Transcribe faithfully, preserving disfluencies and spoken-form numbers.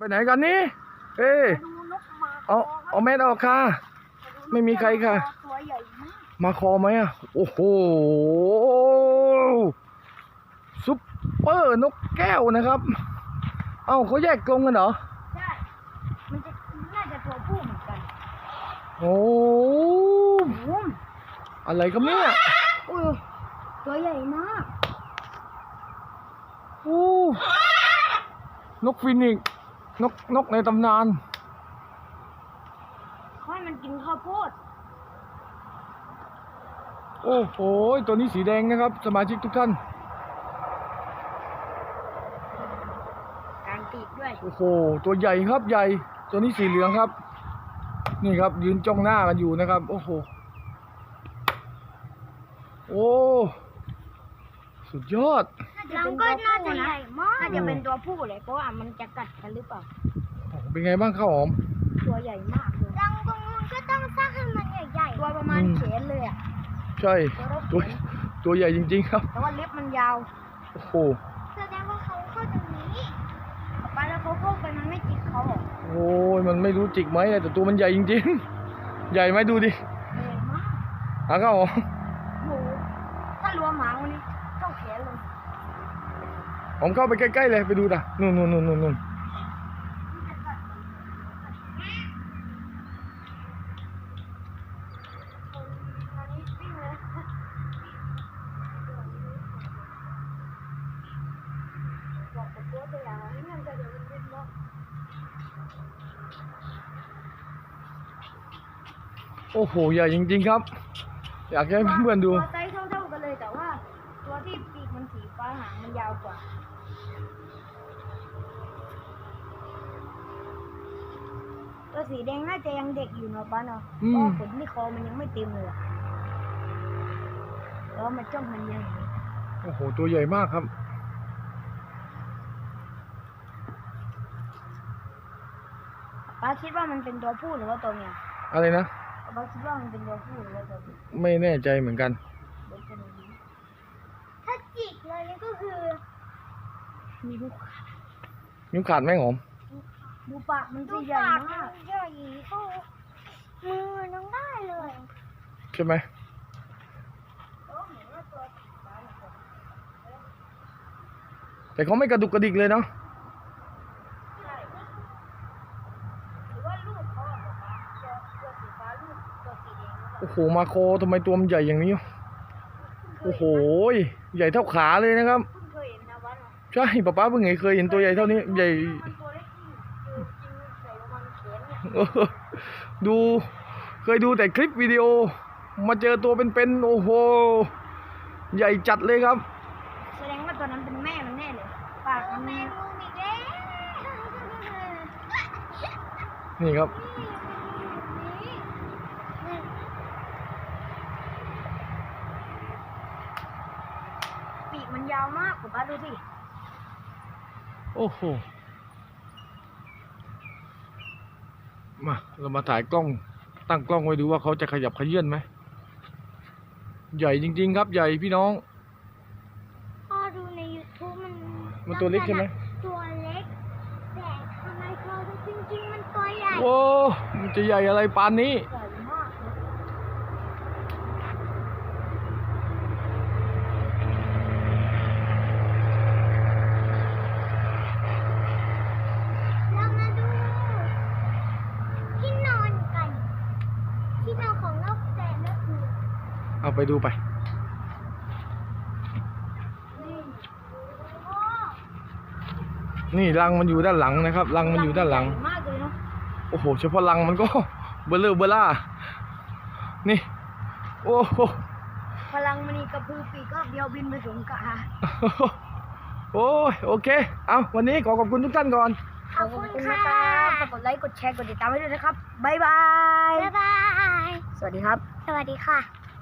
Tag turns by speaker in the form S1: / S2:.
S1: ไหนกันนี่เอ้ยเอาเอาแมสออกค่ะไม่มีใครค่ะมาคอไหมอ่ะโอ้โหซุปเปอร์นกแก้วนะครับเอ้าเขาแยกกรงกันเหรอ
S2: ใช่มันจะน่าจะตัวผู้เหมือนกัน
S1: โอ้อะไรกันเนี่ย
S2: อุ้ยตัวใหญ่มาก
S1: โอ้นกฟินิกซ์นกนกในตำนาน
S2: เขาให้มันกินข้าวโพด
S1: โอ้โหตัวนี้สีแดงนะครับสมาชิกทุกท่าน
S2: การตีด้วย
S1: โอ้โหตัวใหญ่ครับใหญ่ตัวนี้สีเหลืองครับนี่ครับยืนจ้องหน้ากันอยู่นะครับโอ้โหโอ้สุดยอด
S2: รังก็น่าจะใหญ่มากน่าจะเป็นตัวผู้เลยเพราะว่ามันจะกัดกันหรือเปล่า
S1: เป็นไงบ้างข้าวหอม
S2: ตัวใหญ่มากเลยรังตรงนู้นก็ต้องสร้างให้มันใหญ่ๆตัวประมาณแขนเลยอ่ะ
S1: ใช่ตัวตัวใหญ่จริงๆครับ
S2: แต่ว่าเล็บมันยาว
S1: โอ้โห
S2: แสดงว่าเขาเข้าตรงนี้ไปแล้วเขาเข้าไปมันไม่จิกเขาหรอ
S1: โอ้ยมันไม่รู้จิกไหมแต่ตัวมันใหญ่จริงๆใหญ่ไหมดูดิ
S2: ใหญ่มาก
S1: อ่ะข้าวหอม
S2: โอ้ถ้ารวมหางวันนี้เข้าแขนเลย
S1: ผมเข้าไปใกล้ๆเลยไปดูนะนู่นนู่นนู่นนู่นโอ้โหใหญ่จริงๆครับอยากให้เพื่อนๆดู
S2: ตัวไซส์เท่าๆกันเลยแต่ว่าตัวที่ปีกมันสีฟ้าหางมันยาวกว่าตัวสีแดงน่าจะยังเด็กอยู่เนาะป้าเนาะเพราะขนที่คอมันยังไม่เต็มเลยแล้วมันจ้องมันยัง
S1: โอ้โหตัวใหญ่มากครับ
S2: ป้าคิดว่ามันเป็นตัวผู้หรือว่าตัวเมีย
S1: อะไรนะ
S2: ป้าคิดว่ามันเป็นตัวผู้หรือว่าตัวเมีย
S1: ไม่แน่ใจเหมือนกัน
S2: ถ้าจิกเลยนี่ก็คือมีลูกขาด
S1: นิ้วขาดไหมหอม
S2: ดูปากมันจะใหญ่มากใหญ่เข้ามือน้องได้เลย
S1: ใช่ไหมแต่เขาไม่กระดุกกระดิกเลยเนาะโอ้โหมาโคทำไมตัวมันใหญ่อย่างนี้โอ้โหใหญ่เท่าขาเลยนะครับใช่ป๊าป๊าเพิ่งเคยเห็นตัวใหญ่เท่านี้ใหญ่ดูเคยดูแต่คลิปวิดีโอมาเจอตัวเป็นๆโอ้โหใหญ่จัดเลยครับ
S2: แสดงว่าตัวนั้นเป็นแม่มันแน่เลยปากมันแม่ลูกอีกแล้ว
S1: นี่ครับ
S2: ปีกมันยาวมากผมป้าดูสิ
S1: โอ้โหมาเรามาถ่ายกล้องตั้งกล้องไว้ดูว่าเขาจะขยับขยื่นไหมใหญ่จริงๆครับใหญ่พี่น้อง
S2: พ่อดูใน ยูทูบ มัน
S1: มันตัวเล็กใช่ไหม
S2: ตัวเล็กแต่ทำไมเขาจริงๆมันตัวใหญ่
S1: โอ้มันจะใหญ่อะไรปานนี้เอาไปดูไปนี่รังมันอยู่ด้านหลังนะครับรังมันอยู่ด้านหลังโอ้โหเฉพาะรังมันก็เบลอเบล่านี่โอ้โห
S2: พลังมันนี่กระพือปีกก็เดียวบินไปสงกา
S1: โอ้ยโอเคเอาวันนี้ขอขอบคุณทุกท่านก่อน
S2: ขอบคุณนะครับกดไลค์กดแชร์กดติดตามให้ด้วยนะครับบ๊ายบายบ๊ายบายสวัสดีครับสวัสดีค่ะ